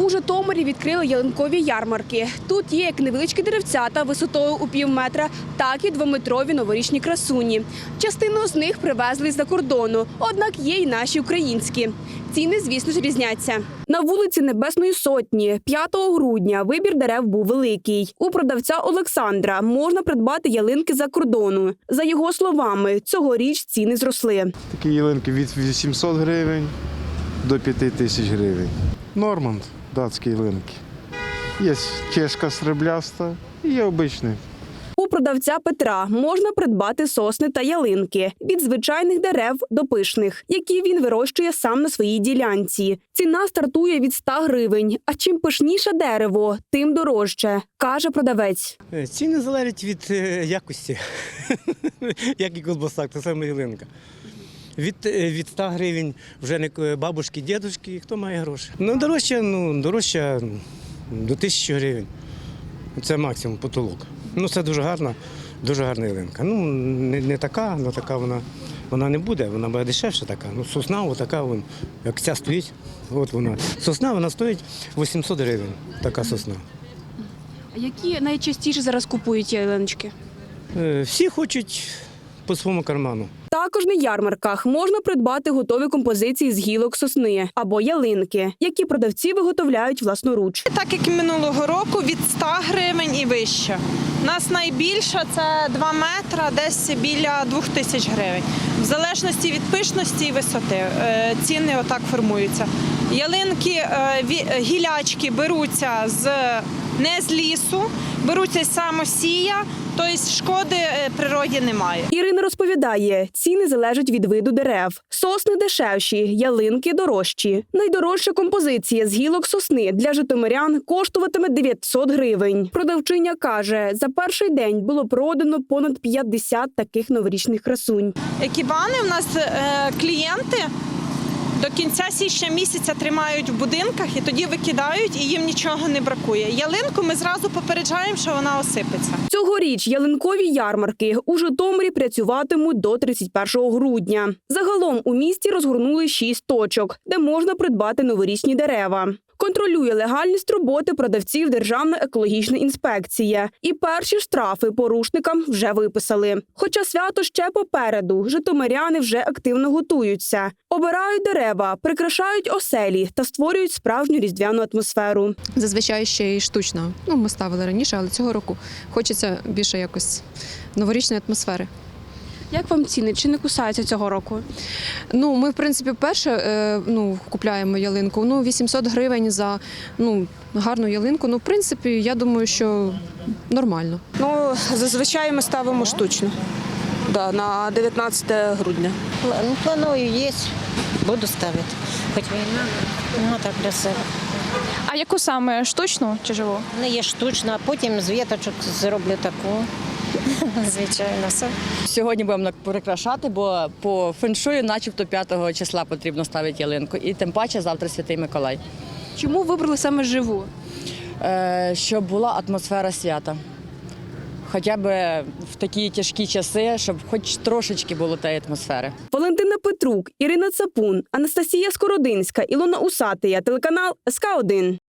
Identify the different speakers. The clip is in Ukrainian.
Speaker 1: У Житомирі відкрили ялинкові ярмарки. Тут є як невеличкі деревцята висотою у півметра, так і двометрові новорічні красуні. Частину з них привезли з-за кордону, однак є й наші українські. Ціни, звісно ж, різняться. На вулиці Небесної Сотні 5 грудня вибір дерев був великий. У продавця Олександра можна придбати ялинки за кордону. За його словами, цьогоріч ціни зросли.
Speaker 2: Такі ялинки від 800 гривень до 5000 гривень. Норманд, датські ялинки. Є чешка срібляста і є обичний.
Speaker 1: У продавця Петра можна придбати сосни та ялинки від звичайних дерев до пишних, які він вирощує сам на своїй ділянці. Ціна стартує від 100 гривень, а чим пишніше дерево, тим дорожче, каже продавець.
Speaker 3: Ціни залежать від якості, як і колбаса, та саме ялинка. Від 100 гривень вже не бабушки, дідушки, хто має гроші. Дорожче до 1000 гривень. Це максимум потолок. Це дуже гарна ялинка. Не така, але така вона не буде, вона буде дешевша така. Сосна, отака, як ця стоїть, от вона. Сосна, вона стоїть 800 гривень, така сосна.
Speaker 1: А які найчастіше зараз купують ялиночки?
Speaker 3: Всі хочуть по своєму карману.
Speaker 1: Також на ярмарках можна придбати готові композиції з гілок сосни або ялинки, які продавці виготовляють власноруч.
Speaker 4: Так як і минулого року, від 100 гривень і вище. У нас найбільша – це 2 метра, десь біля 2000 гривень. В залежності від пишності і висоти ціни отак формуються. Ялинки, гілячки беруться не з лісу, беруться з самосія, тобто шкоди природі немає.
Speaker 1: Ірина розповідає, ціни залежать від виду дерев. Сосни дешевші, ялинки дорожчі. Найдорожча композиція з гілок сосни для житомирян коштуватиме 900 гривень. Продавчиня каже, за перший день було продано понад 50 таких новорічних красунь.
Speaker 4: Екібани у нас клієнти до кінця січня місяця тримають в будинках і тоді викидають, і їм нічого не бракує. Ялинку ми зразу попереджаємо, що вона осипеться.
Speaker 1: Цьогоріч ялинкові ярмарки у Житомирі працюватимуть до 31 грудня. Загалом у місті розгорнули 6 точок, де можна придбати новорічні дерева. Контролює легальність роботи продавців Державна екологічна інспекція. І перші штрафи порушникам вже виписали. Хоча свято ще попереду, житомиряни вже активно готуються. Обирають дерева, прикрашають оселі та створюють справжню різдвяну атмосферу.
Speaker 5: Зазвичай ще й штучно. Ми ставили раніше, але цього року хочеться більше якось новорічної атмосфери.
Speaker 1: Як вам ціни? Чи не кусаються цього року?
Speaker 5: Ми, в принципі, вперше купляємо ялинку. 800 гривень за гарну ялинку. В принципі, я думаю, що нормально.
Speaker 6: Зазвичай ми ставимо штучно. На 19 грудня.
Speaker 7: Планую, є, буду ставити. Хоч війна, так красиво.
Speaker 8: А яку саме, штучну чи живу?
Speaker 7: Не є штучна, а потім з віточок зроблю таку. Звичайно, все.
Speaker 9: Сьогодні будемо прикрашати, бо по феншую начебто 5 числа потрібно ставити ялинку. І тим паче завтра Святий Миколай.
Speaker 1: Чому вибрали саме живу?
Speaker 9: Щоб була атмосфера свята. Хоча б в такі тяжкі часи, щоб хоч трошечки було тієї атмосфери.
Speaker 1: Валентина Петрук, Ірина Цапун, Анастасія Скородинська, Ілона Усатия, телеканал СК1.